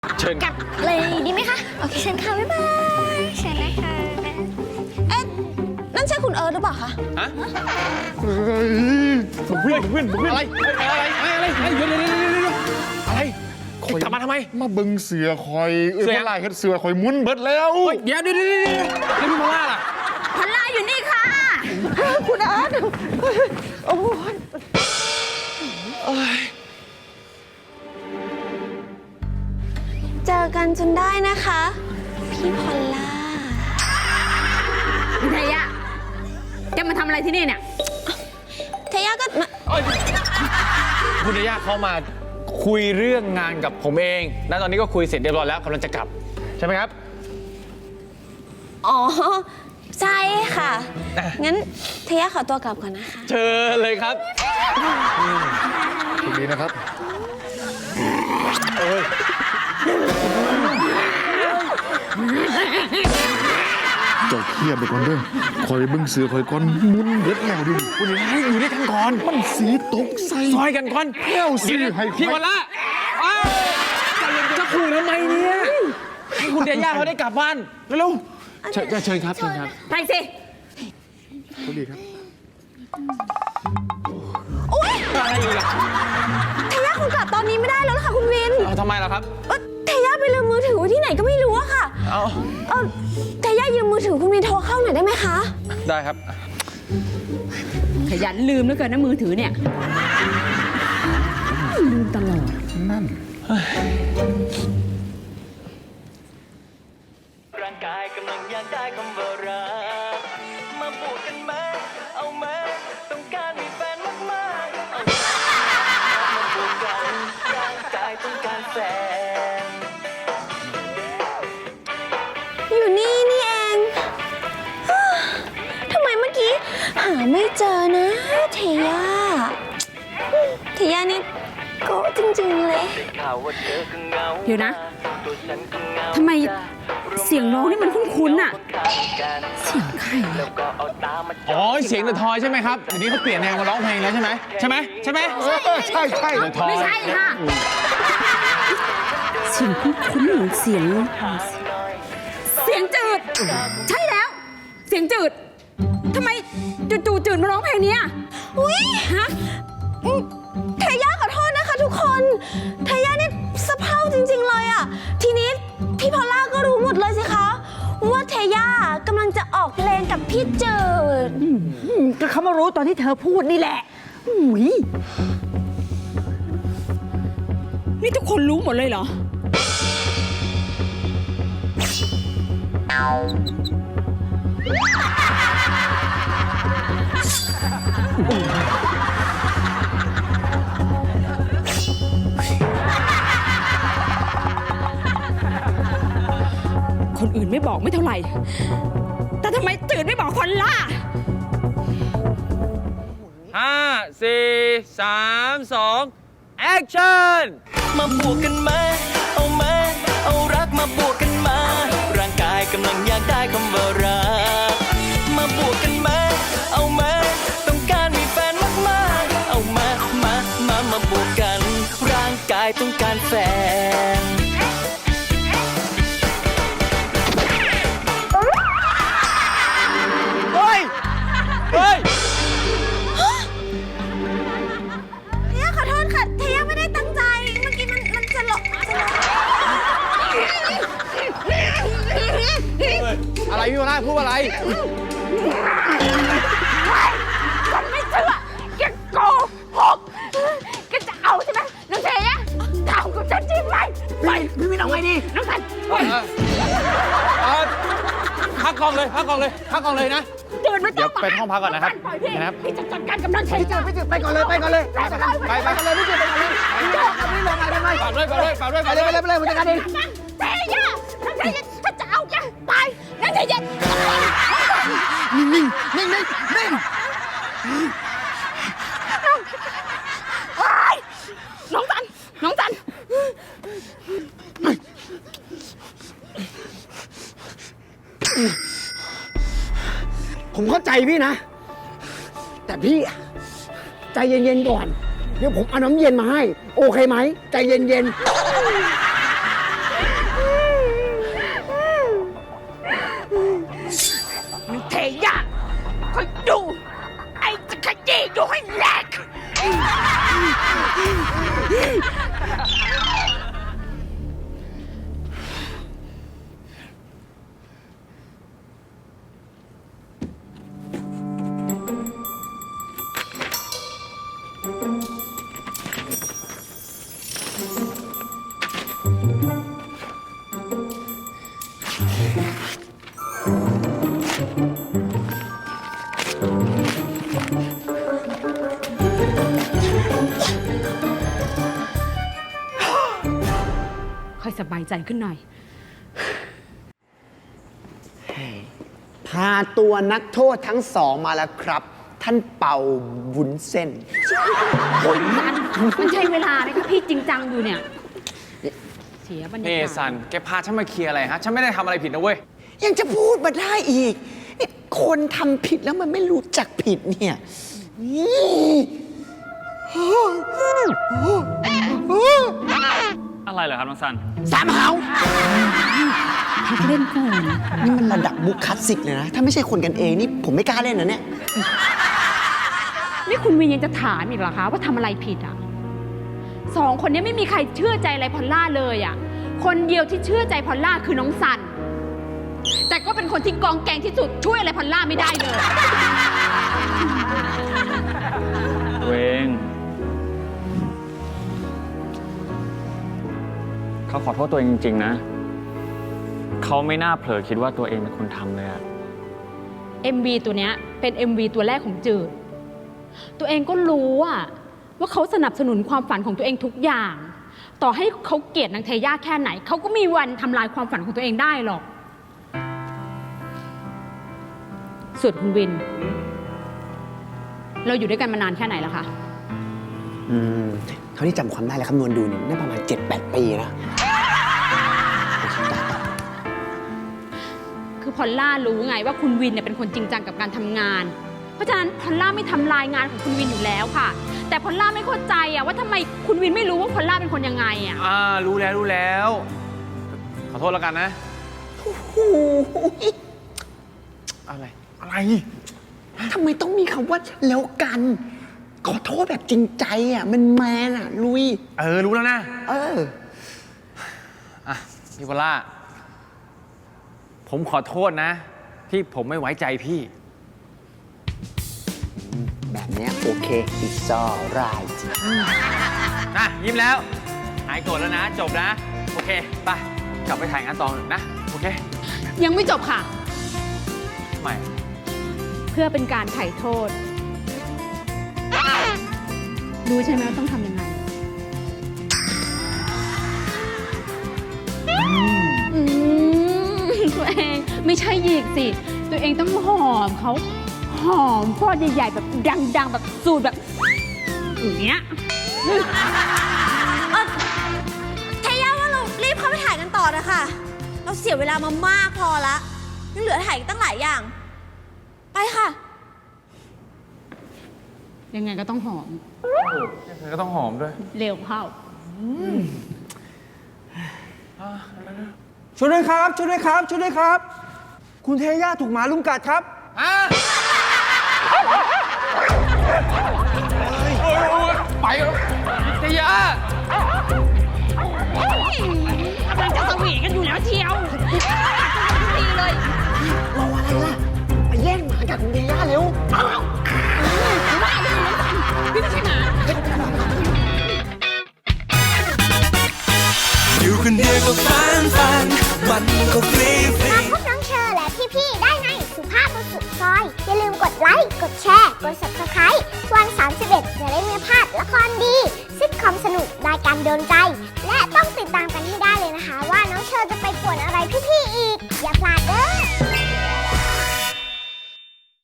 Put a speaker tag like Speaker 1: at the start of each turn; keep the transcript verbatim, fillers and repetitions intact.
Speaker 1: เชิญ
Speaker 2: กลับเลยดีไหมคะโอเคเชิญค่ะบ๊ายบายเชิญนะคะเอ๊ะนั่นใช่คุณเอิร์ธหรือเปล่าคะ
Speaker 1: ฮะเฮ้ยเพื่อนเพื่อนเพื่อนอะไรอะไรอะไรอะไรเดี๋ยวเดี๋ยวเดี๋ยวเดี๋ยวอะไรกลับมาทำไม
Speaker 3: มาเบิ่งเสือคอยเอ้ยพลายเฮ็ดเสือคอยมุนเบิดแล้ว
Speaker 1: เดี๋ยวเดี๋ยวเดี๋ยวเดี๋ยวแล้วพี่มาล่าล่ะ
Speaker 2: พันลาอยู่นี่ค่ะคุณเอิร์ธโอ้ยเจอกันจนได้นะคะพี่พอลล่า
Speaker 4: เทยะจะมาทำอะไรที่นี่เนี่ย
Speaker 2: เทยะก็มา
Speaker 1: คุณย่าเขามาคุยเรื่องงานกับผมเองและตอนนี้ก็คุยเสร็จเรียบร้อยแล้วกำลังจะกลับใช่ไหมครับ
Speaker 2: อ๋อใช่ค่ะงั้นเทยะขอตัวกลับก่อนนะคะ
Speaker 1: เชิญเลยครับ
Speaker 3: สวัสดีนะครับ
Speaker 1: โอ้ย
Speaker 3: เจ้าเครียดไปก่อนเด้อคอยเบิ่งเสือคอยก่อนมุนเบิดแล้วดิ
Speaker 1: คุณย่าอยู่ด้วยกันก่อน
Speaker 3: มันสีตกใส่
Speaker 1: ซอยกันก่อน
Speaker 3: แก้วสิให้
Speaker 1: พี่มาล่าอ้าวจะขู่ทำไมเนี่ยให้คุณย่าเขาได้กลับบ้านเร็วๆเชิญเชิญครับเชิญครับ
Speaker 4: ไปสิ
Speaker 3: สวัสดีครับ
Speaker 1: อะไรอีกอ่ะ
Speaker 2: เทยะคงกลับตอนนี้ไม่ได้แล้วนะคะคุณวิน
Speaker 1: เอาทำไมล่ะครับ
Speaker 2: เออเทยะไปลืมมือถือไว้ที่ไหนก็ไม่รู้อะค่ะ
Speaker 1: เอา
Speaker 2: เออเทยะยืมมือถือคุณวินโทรเข้าหน่อยได้ไหมคะ
Speaker 1: ได้ครับ
Speaker 4: ขยันลืมเหลือเกินนะมือถือเนี่ยลืมตลอด
Speaker 3: นั่น
Speaker 5: ร่างกายกำลังอยากได้คำว่ารักมาพูดกันไหมเอาไหมต้องการมีแฟนมากๆเอามาพูดกันร่างกายต้องการแฟน
Speaker 2: อยู่นี่นี่เองทำไมเมื่อกี้หาไม่เจอนะเทยะเทยะนี่โก้จริงๆเลย
Speaker 4: เดี๋ยวนะทำไมเสียงร้องนี่มันคุ้นๆน่ะเสียงใครอะ
Speaker 1: อ๋อเสียงเดอะทอยใช่ไหมครับเดี๋ยวนี้เขาเปลี่ยนแนวมาร้องเพลงแล้วใช่ไหมใช่ไหมใช่ไหม
Speaker 3: ใช่ใช่ใช่
Speaker 1: เดอะทอย
Speaker 4: ไม่ใช่ค่ะเสียงคุ้นๆเหมือนเสียงเสียงจืดใช่แล้วเสียงจืดทำไมจู่ๆจืดมาร้องเพลงนี้อ่ะ
Speaker 2: อุ้ย
Speaker 4: ฮะ
Speaker 2: เทยะขอโทษนะคะทุกคนเทยะนี่สะเพร่าจริงๆเลยอ่ะทีนี้พี่พอลล่าก็รู้หมดเลยสิคะว่าเทยะกำลังจะออกเพลงกับพี่จืด
Speaker 4: ก็เขามารู้ตอนที่เธอพูดนี่แหละอุ้ยนี่ทุกคนรู้หมดเลยเหรอคนอื่นไม่บอกไม่เท่าไหร่แต่ทำไมจืดไม่บอกคนล่ะ
Speaker 1: ห้าสี่สามสองแอคชั่น
Speaker 5: มาบวกกันไหมเอาไหมเอารักมาบวกกันมาร่างกายกำลังอยากได้คำว่ารักมาบวกกันไหมเอาไหมต้องการมีแฟนมากๆเอามามามามาบวกกันร่างกายต้องการแฟน
Speaker 1: เฮ้ยเฮ้ย
Speaker 2: เทยะขอโทษค่ะเทยะไม่ได้ตั้งใจเมื่อกี้มันมันจะหลอกจะหลอก
Speaker 1: อะไรพี่มาล่าพูดอะไร
Speaker 4: ฉันไม่เชื่อแกโกหกแกจะเอาใช่ไหมน้องเทยะทำกับฉันจริงไหมไปพี่ไม่ต้องไงดีน้องสันไป
Speaker 1: พักกองเลยพักกองเลยพักกองเลยนะ
Speaker 4: เดินมา
Speaker 1: เดี๋ยวไปห้องพักก่อนนะครับ
Speaker 4: นะครับพี่จะจัดการกับน้องเทยะ
Speaker 1: พี่จืดไปก่อนเลยไปก่อนเลยไปไปกันเลยพี่จืดไปก่อนเลยไม่ลงอะไรไม่ฝากด้วยฝากด้วยฝากด้วยไปเลยไปเลยไปเลยผมจัดการเอง
Speaker 4: เทยะน้องเทยะถ้าจะเอาแกไปน้องเทยะ
Speaker 3: นิ่งนิ่งนิ่งนิ่งนิ่ง
Speaker 4: น้องสันน้องสัน
Speaker 6: ผมเข้าใจพี่นะ แต่พี่ใจเย็นๆก่อน เดี๋ยวผมเอาน้ำเย็นมาให้ โอเคไหมใจเย็นๆ
Speaker 4: ายใจขึ้นหน่อย
Speaker 6: พาตัวนักโทษทั้งสองมาแล้วครับ ท่านเป่าวุ้นเส้น
Speaker 4: มันใช้เวลาเลยค่ะพี่จริงจังอยู่เนี่ย เสียบรรยา
Speaker 1: นี่
Speaker 4: กาศ
Speaker 1: สัน แกพาฉันมาเคลียร์อะไรฮะ ฉันไม่ได้ทำอะไรผิดนะเว้ย
Speaker 6: ยังจะพูดมาได้อีกนี่คนทำผิดแล้วมันไม่รู้จักผิดเนี่ยนี่
Speaker 7: อะไรเหรอครับน้องซัน
Speaker 6: สามหาว
Speaker 4: พักเล่นก่อน
Speaker 6: นี่มันระดับมุกคลาสสิกเลยนะ ถ้าไม่ใช่คนกันเองนี่ผมไม่กล้าเล่นนะเนี่ย
Speaker 4: นี่คุณวินยังจะถามอีกเหรอคะว่าทำอะไรผิดอ่ะสองคนนี้ไม่มีใครเชื่อใจอะไรพอลล่าเลยอ่ะคนเดียวที่เชื่อใจพอลล่าคือน้องซัน แต่ก็เป็นคนที่กองแกงที่สุดช่วยอะไรพอลล่าไม่ได้เลย
Speaker 7: ตัวเอง เขาขอโทษตัวเองจริงๆนะ เขาไม่น่าเผลอคิดว่าตัวเองเป็นคนทำเลยอะ
Speaker 4: เอ็ม วี ตัวเนี้ยเป็น เอ็ม วี ตัวแรกของจืด ตัวเองก็รู้อะว่าเขาสนับสนุนความฝันของตัวเองทุกอย่าง ต่อให้เขาเกลียดนางเทย่าแค่ไหน เขาก็มีวันทำลายความฝันของตัวเองได้หรอก ส่วนคุณวิน เราอยู่ด้วยกันมานานแค่ไหนแล้วคะ
Speaker 6: อืมเท่าที่จำความได้และคำนวณดูเนี่ยน่าประมาณ เจ็ดแปด ปีนะ
Speaker 4: คือพอลล่ารู้ไงว่าคุณวินเนี่ยเป็นคนจริงจังกับการทำงาน เพราะฉะนั้นพอลล่าไม่ทำลายงานของคุณวินอยู่แล้วค่ะ แต่พอลล่าไม่เข้าใจอะว่าทำไมคุณวินไม่รู้ว่าพอลล่าเป็นคนยังไงอะ
Speaker 1: อ่า รู้แล้วรู้แล้ว ขอโทษแล้วกันนะ
Speaker 6: โอ้โห
Speaker 1: อะไร อะไร
Speaker 6: ทำไมต้องมีคำว่าแล้วกัน ขอโทษแบบจริงใจอ่ะ มันแมนอ่ะ ลุย
Speaker 1: เออ รู้แล้วนะ
Speaker 6: เออ
Speaker 1: อ่ะ พี่พอลล่า ผมขอโทษนะ ที่ผมไม่ไว้ใจพี่
Speaker 6: แบบเนี้ยโอเค it's alright
Speaker 1: นะยิ้มแล้ว หายโกรธแล้วนะ จบนะ โอเค ไป กลับไปถ่ายงานต่อนะ โอเค
Speaker 4: ยังไม่จบค่ะ
Speaker 1: ใหม่
Speaker 4: เพื่อเป็นการไถ่โทษ รู้ใช่ไหมว่าต้องทำยังไง อืมตัวเองไม่ใช่หยิกสิ ตัวเองต้องหอมเขาหอมฟอดใหญ่ๆแบบดังๆแบบสูตรแบบอย่างเงี้ย
Speaker 2: เออเทย่าว่าเรารีบเข้าไปถ่ายกันต่อนะคะ เราเสียเวลามามากพอละยังเหลือถ่ายอีกตั้งหลายอย่าง ไปค่ะ
Speaker 4: ยังไงก็ต้องหอม
Speaker 1: ก็ต้องหอมด้วย
Speaker 4: เร็วเข้า
Speaker 8: ช่วยด้วยครับ ช่วยด้วยครับ ช่วยด้วยครับ คุณเทย่าถูกหมาลุมกัดครับ
Speaker 1: ฮะโอ้ยโอ้ยไปแล้วเจียาก
Speaker 4: ำลังจะสวีทกันอยู่แล้วเชียวดีเลย
Speaker 6: รออะไรล่ะ ไปแย่งหมาจากคุณเดย่าเร็ว
Speaker 4: พี่ไม่ใช่หมา
Speaker 5: อยู่คนเดียวก็ฟันฟันมันก็ฟรีฟรี
Speaker 9: พบน้องเชอร์และพี่ๆได้ในสุภาพบุรุษซอย อย่าลืมกดไลค์ กดแชร์ กด ซับสไครบ์ วันสามสิบเอ็ดจะได้ไม่พลาดละครดีซิทคอมสนุกรายการโดนใจ และต้องติดตามกันให้ได้เลยนะคะ ว่าน้องเชอร์จะไปป่วนอะไรพี่ๆอีก อย่าพลาดเด้อ